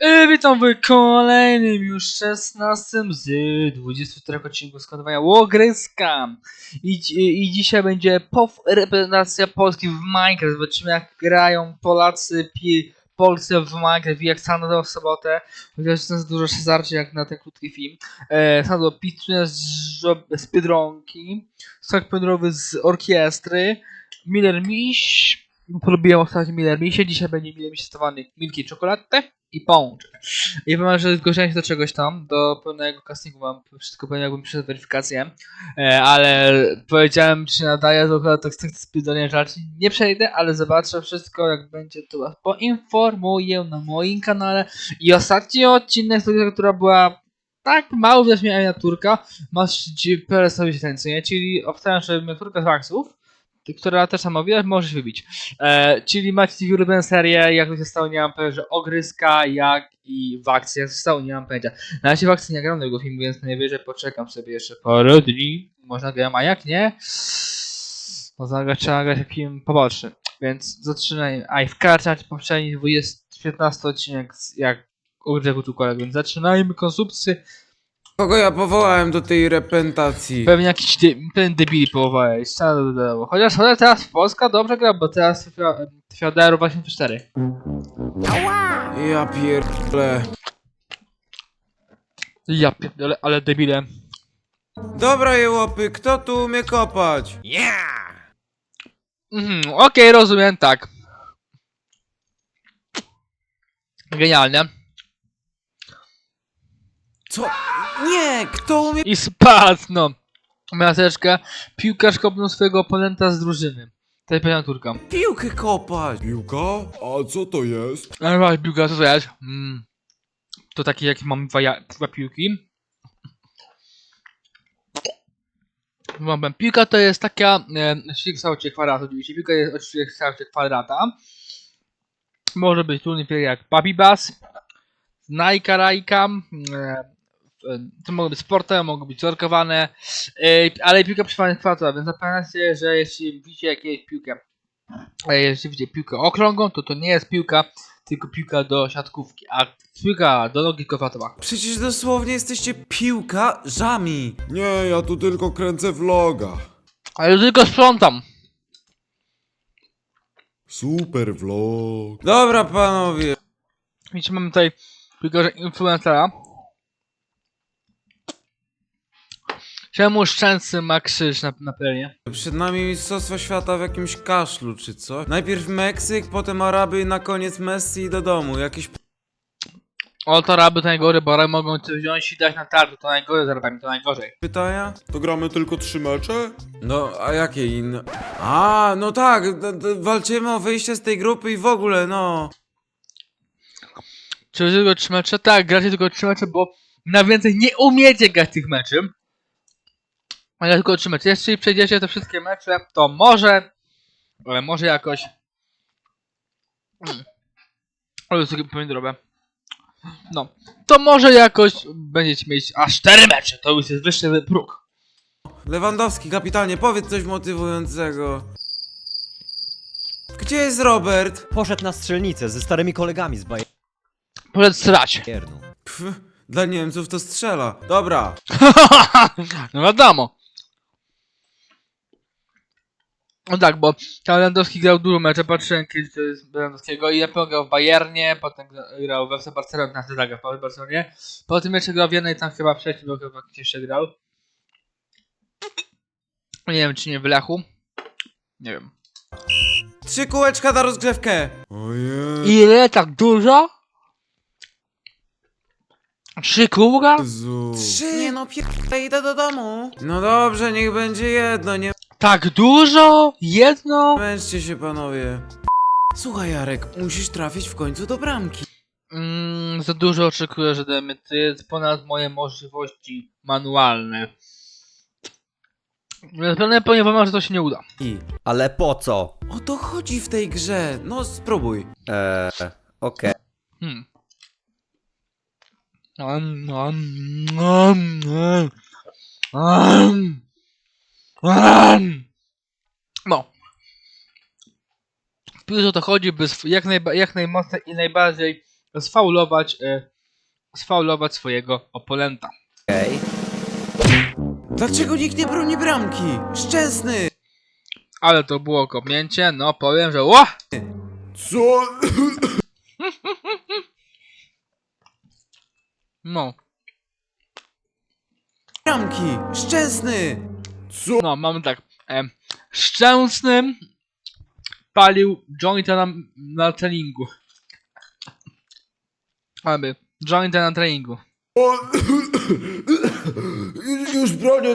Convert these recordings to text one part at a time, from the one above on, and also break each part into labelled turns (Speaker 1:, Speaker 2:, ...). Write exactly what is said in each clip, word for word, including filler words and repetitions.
Speaker 1: I witam w kolejnym już szesnastym z dwudziestu czterech odcinków składowania Łogryska. I, i, I dzisiaj będzie pow reprezentacja Polski w Minecraft. Zobaczymy jak grają Polacy, pi Polscy w Minecraft i jak Sandro w sobotę. Chociaż to jest dużo szezarcie jak na ten krótki film. E, Sandro pituje z, z Biedronki, sok pędrowy z orkiestry, Miller Miś. Polubiłem ostatnio Miller Misie, dzisiaj będzie Miller Miś testowany Milki Czekoladę i pączek. I powiem, że zgłosiłem się do czegoś tam, do pełnego castingu mam wszystko pewnie jakbym przeszedł weryfikację, e, ale powiedziałem czy nadaję, to chyba tak z sprawdzenia rzeczy nie przejdę, ale zobaczę wszystko jak będzie, to was poinformuję na moim kanale. I ostatni odcinek, która była tak mało widać miała miniaturka, masz parę sobie się, czyli obstawiam, że miniaturka z Waxów, która też sama widać, możesz wybić. E, czyli macie ulubione serię, jak to się stało, nie mam pojęcia, że Ogryska, jak i w akcji, jak to się stało, nie mam pojęcia. Na razie w akcji nie gram tego filmu, więc najwyżej poczekam sobie jeszcze parę dni. Można grać, a jak nie, można grać, trzeba grać jak film poboczny. Więc zaczynajmy. A i w karcie poprzedni dwudziesty piętnasty odcinek, jak Ogryzek tu kolega, więc zaczynajmy konsumpcję.
Speaker 2: Kogo ja powołałem do tej reprezentacji?
Speaker 1: Pewnie jakiś de pewien debili połowałeś, chociaż chociaż teraz Polska dobrze gra, bo teraz trafia do Euro dwa tysiące cztery.
Speaker 2: Ja pierdolę.
Speaker 1: Ja pierdolę, ale debile.
Speaker 2: Dobra jełopy, kto tu umie kopać? Yeah!
Speaker 1: Mhm, okej, okay, rozumiem, tak. Genialne.
Speaker 2: Co? Nie, kto umie...
Speaker 1: I spadł, no. Maseczka, piłkarz kopnął swojego oponenta z drużyny. To jest pewna turka.
Speaker 2: Piłkę kopać?
Speaker 3: Piłka? A co to jest?
Speaker 1: Ale właśnie, piłka, co to jest? Mm. To takie, jak mam dwa, ja dwa piłki. Mam piłka to jest taka e, w kształcie kwadratu, oczywiście. Piłka jest oczywiście w kształcie kwadrata. Może być trudny jak Baby Bass, Nike Rajka, e, to mogą być sportowe, mogą być zorkowane, e, ale piłka przypadnie kwadratowa, więc zapamiętajcie, że jeśli widzicie jakieś piłkę, e, jeśli widzicie piłkę okrągłą, to to nie jest piłka, tylko piłka do siatkówki, a piłka do nogi kwadratowa.
Speaker 2: Przecież dosłownie jesteście piłkarzami.
Speaker 3: Nie, ja tu tylko kręcę vloga.
Speaker 1: Ale tylko sprzątam.
Speaker 3: Super vlog.
Speaker 2: Dobra panowie.
Speaker 1: Widzicie, mamy tutaj piłkarza influencera. Czemu Szczęsny ma krzyż na, na pełnie?
Speaker 2: Przed nami mistrzostwo świata w jakimś kaszlu czy co? Najpierw Meksyk, potem Araby i na koniec Messi i do domu. Jakieś...
Speaker 1: O, to raby to najgorzej, bo raby mogą cię wziąć i dać na tarczę, to najgorzej z rabami, to najgorzej.
Speaker 2: pytania?
Speaker 3: To gramy tylko trzy mecze?
Speaker 2: No, a jakie inne? A, no tak, d- d- walczymy o wyjście z tej grupy i w ogóle, no.
Speaker 1: Czy wy tylko trzy mecze? Tak, gracie tylko trzy mecze, bo na więcej nie umiecie grać tych meczy. Ale tylko trzy mecze. Jeśli przejdziecie te wszystkie mecze, to może, ale może jakoś... O, jest takie pomidorowe. No, to może jakoś będziecie mieć aż cztery mecze, to już jest wyższy próg.
Speaker 2: Lewandowski, kapitanie, powiedz coś motywującego. Gdzie jest Robert?
Speaker 4: Poszedł na strzelnicę ze starymi kolegami z
Speaker 1: Powiedz strać.
Speaker 4: Bayernu.
Speaker 2: Pff, dla Niemców to strzela. Dobra.
Speaker 1: No wiadomo. No tak, bo Lewandowski grał dużo mecze, patrzyłem kiedyś to jest Lewandowskiego i najpierw grał w Bayernie, potem grał w F C Barcelonie, na zagrał w Barcelonie. Po tym jeszcze grał w jednej tam chyba wcześniej, bo chyba gdzieś jeszcze grał. Nie wiem czy nie w Lechu. Nie wiem.
Speaker 2: Trzy kółeczka na rozgrzewkę.
Speaker 3: Ojej.
Speaker 1: Ile? Tak dużo? Trzy kółka?
Speaker 3: Jezu.
Speaker 2: Trzy. Nie no, pierdolę, idę do domu. No dobrze, niech będzie jedno, nie
Speaker 1: Tak dużo? Jedno?
Speaker 2: męczcie się panowie. Słuchaj Jarek, musisz trafić w końcu do bramki.
Speaker 1: Mm, za dużo oczekuję, że damy. To jest ponad moje możliwości manualne. Zapewne powiem wam, że to się nie uda.
Speaker 4: I. Ale po co?
Speaker 2: O to chodzi w tej grze. No spróbuj.
Speaker 4: Eee, okej.
Speaker 1: Hmm. Um, um, um, um, um, um. No. W piłce o to chodzi, by sw- jak, najba jak najmocniej i najbardziej sfaulować, e, sfaulować swojego oponenta.
Speaker 4: Okej.
Speaker 2: Dlaczego nikt nie broni bramki? Szczęsny!
Speaker 1: Ale to było kopnięcie, no powiem, że ła!
Speaker 3: Co?
Speaker 1: No,
Speaker 2: Bramki! Szczęsny!
Speaker 1: no mamy tak. E, Szczęsny palił jointa na, na treningu. Aby, jointa na treningu.
Speaker 3: O, już bronię.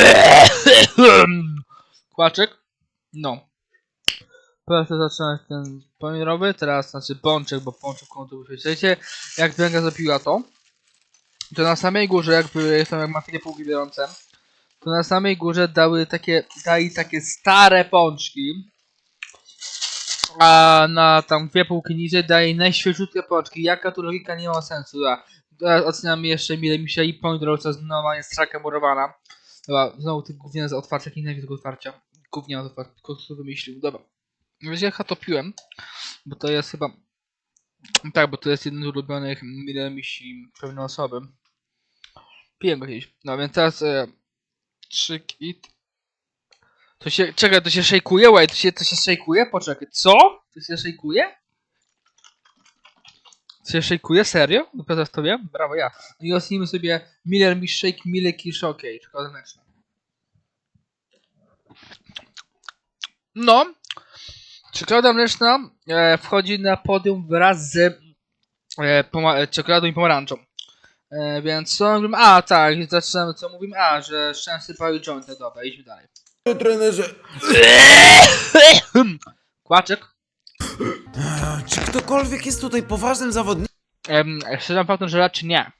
Speaker 1: Kłaczek? No. Teraz zaczynać ten pomiarowy, teraz znaczy pączek, bo pączek końcu wiecie, jak Węga zapiła to, to na samej górze, jakby jestem jak ma takie półki biorące, to na samej górze dały takie, dali takie stare pączki, a na tam dwie półki niżej daje najświeżutkie pączki. Jaka tu logika, nie ma sensu. Dobra. Teraz oceniamy jeszcze mile mi się i pomidorowca znowu jest straka murowana. Dobra, znowu tych gówniane z otwarcia, nie wiem tego otwarcia. Gówniane z otwarcia, kto wymyślił. Dobra. Wiecie, ja to piłem, bo to jest chyba... Tak, bo to jest jeden z ulubionych mile misi pewnej osoby. Piłem go kiedyś. No więc teraz... E, trzy kit. To się... Czekaj, to się szejkuje? Wait, to się, to się szejkuje? Poczekaj, co? To się szejkuje? To się szejkuje? Serio? Dopiero to wiem? Brawo, ja. No i ocenimy sobie Miller Miss Shake, Milky Shokey. Czekolada mleczna. No. Czekolada mleczna e, wchodzi na podium wraz z e, poma- czekoladą i pomarańczą. E, więc co mówimy? A, tak, zaczynamy co mówimy? A, że szczęście pali jointa. Dobra, idźmy dalej.
Speaker 3: Trenerze.
Speaker 1: Kłaczek.
Speaker 2: Czy ktokolwiek jest tutaj poważnym zawodnikiem?
Speaker 1: Em, szczerze mówiąc, że raczej nie.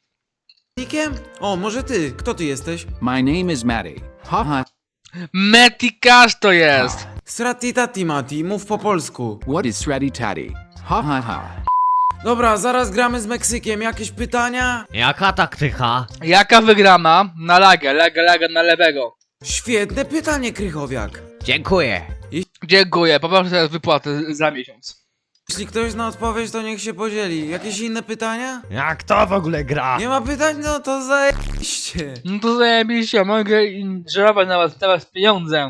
Speaker 2: O, może ty? Kto ty jesteś?
Speaker 5: My name is Matty. Ha ha.
Speaker 1: Metikasz to jest!
Speaker 2: Srati tati mati, mów po polsku.
Speaker 5: What is Sratty Tatty? Ha ha ha.
Speaker 2: Dobra, zaraz gramy z Meksykiem. Jakieś pytania?
Speaker 4: Jaka taktyka?
Speaker 1: Jaka wygrana? Na lagę, laga, laga na lewego.
Speaker 2: Świetne pytanie, Krychowiak.
Speaker 4: Dziękuję.
Speaker 1: Dziękuję, poproszę teraz wypłatę za miesiąc.
Speaker 2: Jeśli ktoś zna odpowiedź, to niech się podzieli. Jakieś inne pytania?
Speaker 4: Jak to w ogóle gra?
Speaker 2: Nie ma pytań? No to zajebiście.
Speaker 1: No to zajebiście, mogę żerować na was teraz pieniądze.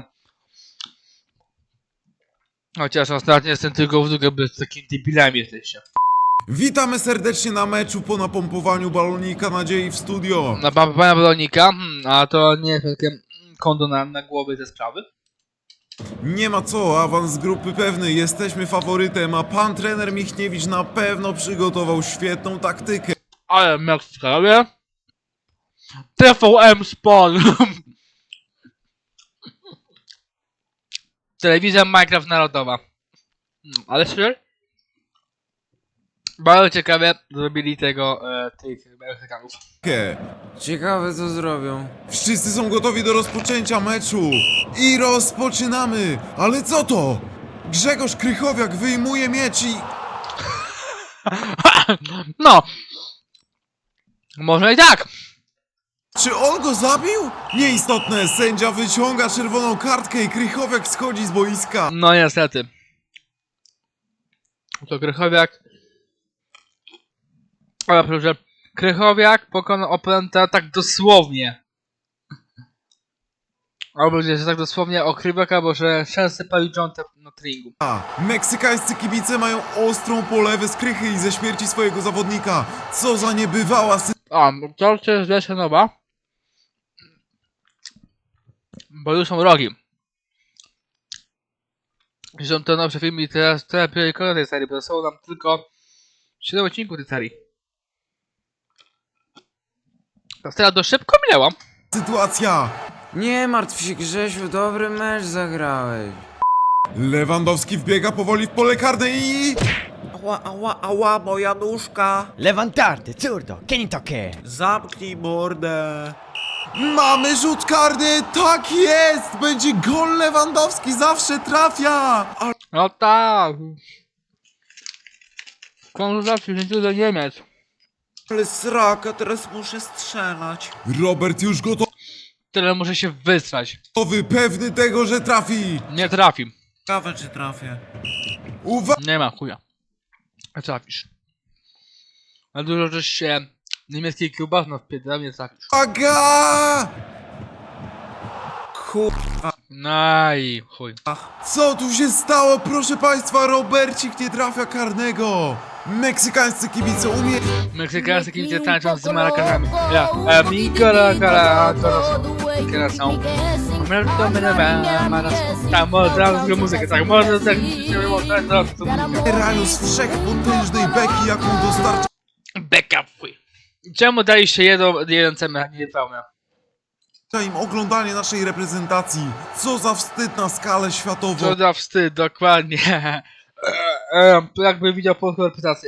Speaker 1: Chociaż ostatnio jestem tylko w dół, by z takimi debilami jesteście.
Speaker 3: Witamy serdecznie na meczu po napompowaniu balonika nadziei w studio.
Speaker 1: Na pana pana Balonika, hmm, a to nie jest takie konto na, na głowy ze sprawy.
Speaker 3: Nie ma co, awans z grupy pewny, jesteśmy faworytem, a pan trener Michniewicz na pewno przygotował świetną taktykę.
Speaker 1: Ale Meksyka, robię? T V M Sport. Telewizja Minecraft Narodowa. Hmm, ale szczerze? Bardzo ciekawie zrobili tego, e, tych Meksykanów.
Speaker 2: Ciekawe co zrobią.
Speaker 3: Wszyscy są gotowi do rozpoczęcia meczu i rozpoczynamy. Ale co to? Grzegorz Krychowiak wyjmuje miecz i...
Speaker 1: No! Może i tak!
Speaker 3: Czy on go zabił? Nieistotne, sędzia wyciąga czerwoną kartkę i Krychowiak schodzi z boiska.
Speaker 1: No niestety. To Krychowiak. Ale proszę, Krychowiak pokonał oponenta tak dosłownie. Albo że tak dosłownie o Krychowiaka, bo że często palił jointa na treningu.
Speaker 3: A, meksykańscy kibice mają ostrą polewę z krychy i ze śmierci swojego zawodnika. Co za niebywała
Speaker 1: A, to jest wersja nowa. Bo już są rogi. I są to nowsze filmy i teraz teraz priorytety tej serii, bo są nam tylko siedem odcinków tej serii. Ta seria dość szybko minęła.
Speaker 3: sytuacja.
Speaker 2: Nie martw się, Grzesiu, dobry mecz zagrałeś.
Speaker 3: Lewandowski wbiega powoli w pole karne i...
Speaker 6: Ała, ała, ała, moja nóżka!
Speaker 4: Lewantarte, zurdo, che ne tocche?
Speaker 6: Zamknij mordę!
Speaker 3: Mamy rzut karny! Tak jest! Będzie gol Lewandowski, zawsze trafia!
Speaker 1: No tak. W końcu zawsze wzięciu do Niemiec.
Speaker 6: Ale sraka, teraz muszę strzelać.
Speaker 3: Robert już gotowy,
Speaker 1: Tyle muszę się wysrać.
Speaker 3: pewny tego, że trafi!
Speaker 1: Nie trafi.
Speaker 6: Ciekawe, czy trafię.
Speaker 3: Uwaga!
Speaker 1: Nie ma chuja. Trafisz. A dużo żeś się niemieckiej kiełbasno wpierdala, mnie tak.
Speaker 3: Aga!
Speaker 6: Kur...
Speaker 1: No i chuj.
Speaker 3: Co tu się stało? Proszę państwa, Robercik nie trafia karnego. Meksykańscy kibice umie...
Speaker 1: Meksykańscy kibice tańczą z marakanami. Ja, a mi kola kola corazón. Tak, może teraz zrobię muzykę, tak, może tak,
Speaker 3: Rają z wszechpotężnej beki, jaką dostarcza
Speaker 1: backup, chuj. Czemu daliście jedną, jeden C M, a nie pełne?
Speaker 3: im oglądanie naszej reprezentacji. Co za wstyd na skalę światową.
Speaker 1: Co za wstyd, dokładnie. Eee, jakby widział polską reprezentację.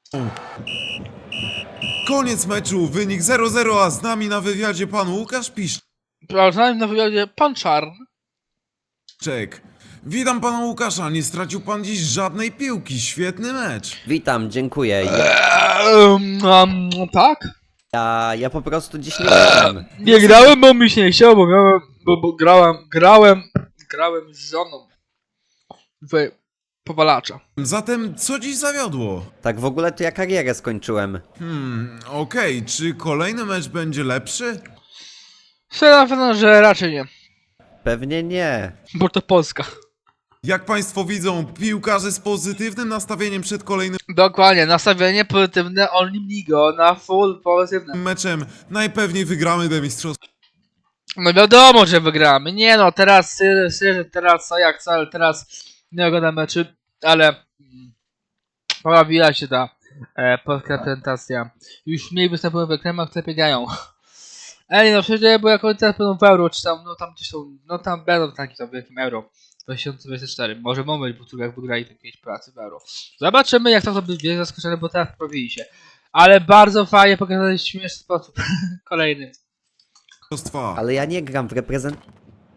Speaker 3: Koniec meczu, wynik zero zero, a z nami na wywiadzie pan Łukasz
Speaker 1: Poznałem na wywiadzie pan Czarn.
Speaker 3: Piszczek. Witam pana Łukasza, nie stracił pan dziś żadnej piłki, świetny mecz.
Speaker 7: Witam, dziękuję. Ja,
Speaker 1: Eee, um, tak?
Speaker 7: ja, ja po prostu dziś nie grałem.
Speaker 1: Nie grałem, bo mi się nie chciało, bo miałem, bo, bo grałem, grałem, grałem z żoną w powalacza.
Speaker 3: Zatem co dziś zawiodło?
Speaker 7: Tak w ogóle to ja karierę skończyłem.
Speaker 3: Hmm, okej, czy kolejny mecz będzie lepszy?
Speaker 1: Szczerze na pewno, że raczej nie,
Speaker 7: Pewnie nie.
Speaker 1: bo to Polska.
Speaker 3: Jak państwo widzą, piłkarze z pozytywnym nastawieniem przed kolejnym
Speaker 1: Dokładnie, nastawienie pozytywne, only me go, na full pozytywne.
Speaker 3: meczem najpewniej wygramy te mistrzostwo.
Speaker 1: No wiadomo, że wygramy. Nie no, teraz szczerze, teraz co jak co, ale teraz nie oglądam meczy, ale mm, pojawiła się ta e, polska reprezentacja. Już mniej występują w ekranach, które biegają. Ej no przecież, bo jak oni teraz będą w Euro, czy tam, no tam gdzieś są, no tam będą taki tam wielkim Euro dwa tysiące dwudziesty czwarty. Może moment, bo tu jak wygrali te pięć pracy w Euro. Zobaczymy jak to to będzie zaskoczone, bo teraz poprawili się. Ale bardzo fajnie pokazali w śmieszny sposób. Kolejny.
Speaker 7: Ale ja nie gram w reprezentacji.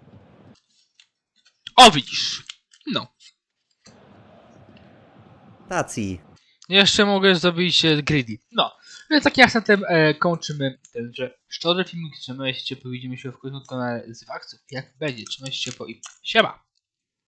Speaker 1: O widzisz. No. Jeszcze mogę zrobić e, greedy. No. Więc takim akcentem e, kończymy tenże szczodry filmik. Trzymajcie się ciepło, widzimy się w końcu na z akcji. Jak będzie, trzymajcie się ciepło i siema.